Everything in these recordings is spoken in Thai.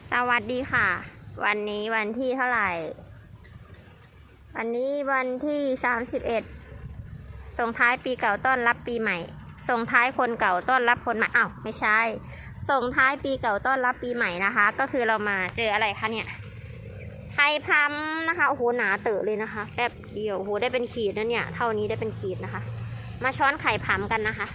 สวัสดีค่ะวันนี้วันที่เท่าไหร่วันนี้วันที่31ส่งท้ายปีเก่าต้อนรับปีใหม่ส่งท้ายคนเก่าต้อนรับคนใหม่อ้าวไม่ใช่ส่งท้ายปีเก่าต้อนรับปีใหม่นะคะก็คือเรามาเจออะไรคะเนี่ยไข่พัมนะคะโอ้โหหนาเต๋อเลยนะคะแป๊บเดียวโอ้โหได้เป็นขีดนะเนี่ยเท่านี้ได้เป็นขีดนะคะมาช้อนไข่พัมกันนะคะ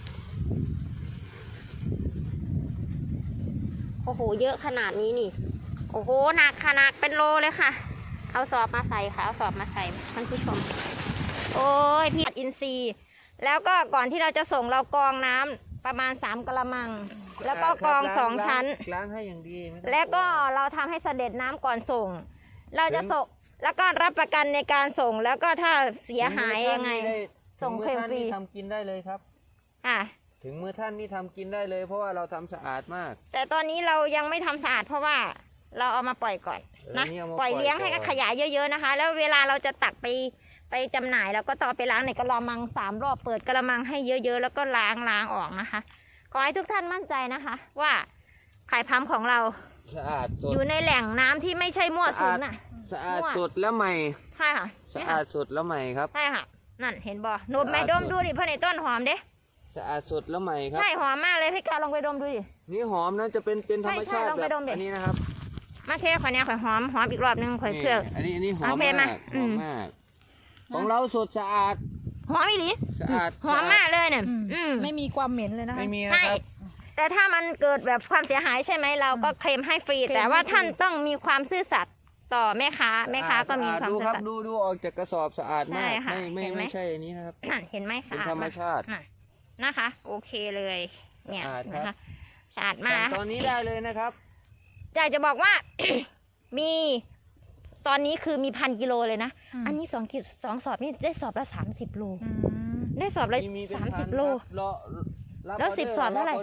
โอ้โหเยอะขนาดนี้นี่โอ้โหหนักขนาดเป็นโลเลยค่ะเอาสอบมาใส่ค่ะเอาสอบมาใส่ท่านผู้ชมโอ้ยพี่อินทรีย์แล้วก็ก่อนที่เราจะส่งเรากรองน้ำประมาณ3 กะละมังแล้วก็กรอง2 ชั้นล้างให้อย่างดีแล้วก็เราทำให้เสด็จน้ำก่อนส่งเราจะส่งแล้วก็รับประกันในการส่งแล้วก็ถ้าเสียหายยังไงส่งเคลมฟรีทำกินได้เลยครับถึงมือท่านนี่ทำกินได้เลยเพราะว่าเราทำสะอาดมากแต่ตอนนี้เรายังไม่ทำสะอาดเพราะว่าเราเอามาปล่อยก่อนนะปล่อยเลี้ยงให้ขยายเยอะๆนะคะแล้วเวลาเราจะตักไปจำหน่ายเราก็ต้องไปล้างในกะละมัง3 รอบเปิดกะละมังให้เยอะๆแล้วก็ล้างออกนะคะขอให้ทุกท่านมั่นใจนะคะว่าไข่พัมของเราสะอาดสดอยู่ในแหล่งน้ำที่ไม่ใช่มั่วสุมน่ะสะอาดสดแล้วใหม่ใช่ค่ะสะอาดสดแล้วใหม่ครับใช่ค่ะนั่นเห็นบ่นมไหมดมดูดิเพราะในต้นหอมเด้สะอาดสดแล้วใหม่ครับใช่หอมมากเลยพี่กาลองไปดมดูดินี่หอมนะจะเป็นธรรมชาติแบบอันนี้นะครับมาเทข่อยเนี่ยข่อยหอมอีกรอบนึงข่อยเครื่องอันนี้หอมมากของเราสดสะอาดหอมอีหลีสะอาดหอมมากเลยเนี่ยไม่มีความเหม็นเลยนะคะไม่มีนะครับแต่ถ้ามันเกิดแบบความเสียหายใช่ไหมเราก็เคลมให้ฟรีแต่ว่าท่านต้องมีความซื่อสัตย์ต่อแม่ค้าก็มีความซื่อสัตย์ดูออกจากกระสอบสะอาดมากไม่ใช่อันนี้นะครับนั่นเห็นไหมเป็นธรรมชาตินะคะโอเคเลยเนี่ยนะคะสะอาดมากตอนนี้ได้เลยนะครับอยากจะบอกว่า มีตอนนี้คือมี1,000 กิโลเลยนะอันนี้2 สอบนี่ได้สอบละ30 โลได้สอบละ30 โลแล้ว10 สอบเท่าไหร่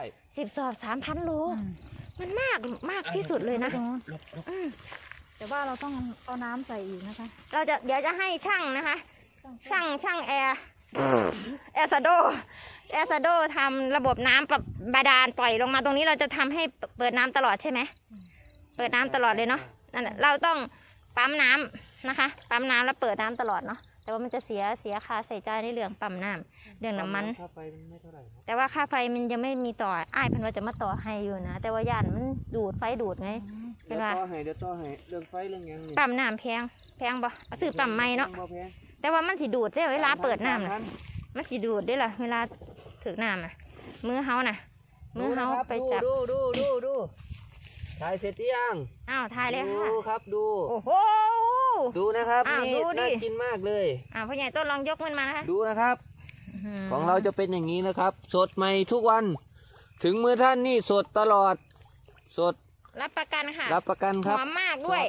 10 สอบ 3,000 โลมันมากที่สุดเลยนะแต่ว่าเราต้องเอาน้ำใส่อีกนะคะเดี๋ยวจะให้ช่างนะคะช่างแอร์ซาโดทำระบบน้ำบาดาลปล่อยลงมาตรงนี้เราจะทำให้เปิดน้ำตลอดใช่ไหมเปิดน้ำตลอดเลยเนาะนั่นแหละเราต้องปั๊มน้ำนะคะปั๊มน้ำแล้วเปิดน้ำตลอดเนาะแต่ว่ามันจะเสียค่าใส่ใจในเรื่องปั๊มน้ำเรื่องน้ำมันแต่ว่าค่าไฟมันยังไม่มีต่ออ้ายพันว่าจะมาต่อให้อยู่นะแต่ว่าย่านมันดูดไฟดูดไงเดี๋ยวต่อให้เรื่องไฟเรื่องยังปั๊มน้ำแพงบ่ซื้อปั๊มใหม่เนาะแต่ว่ามันสิดูดได้เวลาเปิดน้ำนะมันสิดูดได้ล่ะเวลาถือน้ำมือเฮาไปจับดูถ่ายเสร็จยังถ่ายเลยค่ะดูครับดูโอ้โหดูนะครับนี่น่ากินมากเลยพ่อใหญ่ต้นลองยกมันมานะคะดูนะครับของเราจะเป็นอย่างนี้นะครับสดใหม่ทุกวันถึงมือท่านนี่สดตลอดสดรับประกันค่ะรับประกันครับหอมมากด้วย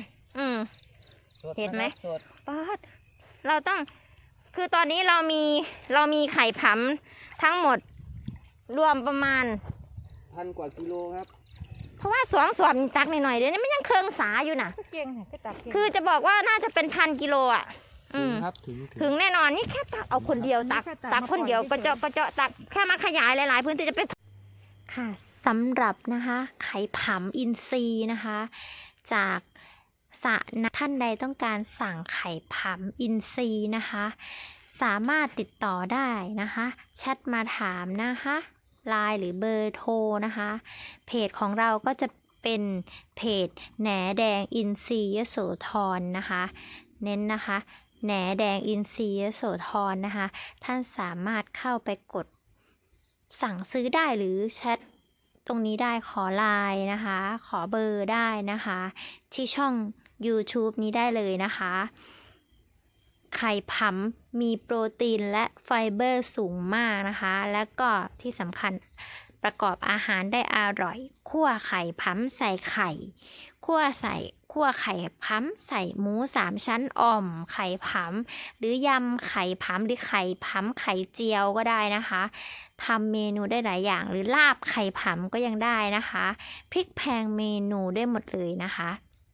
เห็นไหมเราต้องคือตอนนี้เรามีไข่พัมทั้งหมดรวมประมาณ 1,000 กว่ากิโลครับเพราะว่า2 สอบตักหน่อยๆเดี๋ยวนี้มันยังเคืองสาอยู่นะคือจะบอกว่าน่าจะเป็น1,000 กิโลอ่ะถึงแน่นอนนี่แค่ตักเอาคนเดียวตักคนเดียวก็เจาะตักแค่มาขยายหลายๆพื้นที่จะเป็นค่ะสำหรับนะคะไข่พัมอินทรีย์นะคะจากท่านใดต้องการสั่งไข่พัมอินทรีย์นะคะสามารถติดต่อได้นะคะแชทมาถามนะคะไลน์หรือเบอร์โทรนะคะเพจของเราก็จะเป็นเพจแหนแดงอินทรีย์ยโสธรนะคะเน้นนะคะแหนแดงอินทรีย์ยโสธรนะคะท่านสามารถเข้าไปกดสั่งซื้อได้หรือแชทตรงนี้ได้ขอไลน์นะคะขอเบอร์ได้นะคะที่ช่อง YouTube นี้ได้เลยนะคะไข่พัมมีโปรตีนและไฟเบอร์สูงมากนะคะแล้วก็ที่สำคัญประกอบอาหารได้อร่อยคั่วไข่พัมใส่ไข่คั่วไข่พัมใส่หมู3 ชั้นอ่อมไข่พัมหรือยำไข่พัมหรือไข่พัมไข่เจียวก็ได้นะคะทำเมนูได้หลายอย่างหรือลาบไข่พัมก็ยังได้นะคะพริกแพงเมนูได้หมดเลยนะคะ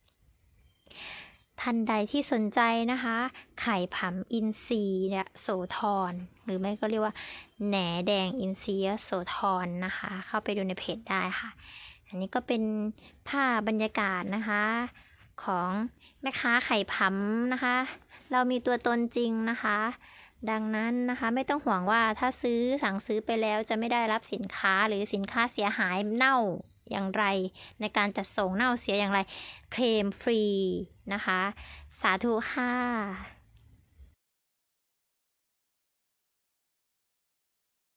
ท่านใดที่สนใจนะคะไข่พัมอินทรีย์เนี่ยโสธรหรือไม่ก็เรียกว่าแหนแดงอินทรีย์โสธรนะคะเข้าไปดูในเพจได้ค่ะอันนี้ก็เป็นภาพบรรยากาศนะคะของแม่ค้าไข่ผำนะคะ เรามีตัวตนจริงนะคะ ดังนั้นนะคะไม่ต้องห่วงว่าถ้าสั่งซื้อไปแล้วจะไม่ได้รับสินค้าหรือสินค้าเสียหายเน่าอย่างไรในการจัดส่งเน่าเสียอย่างไรเคลมฟรีนะคะสาธุค่ะ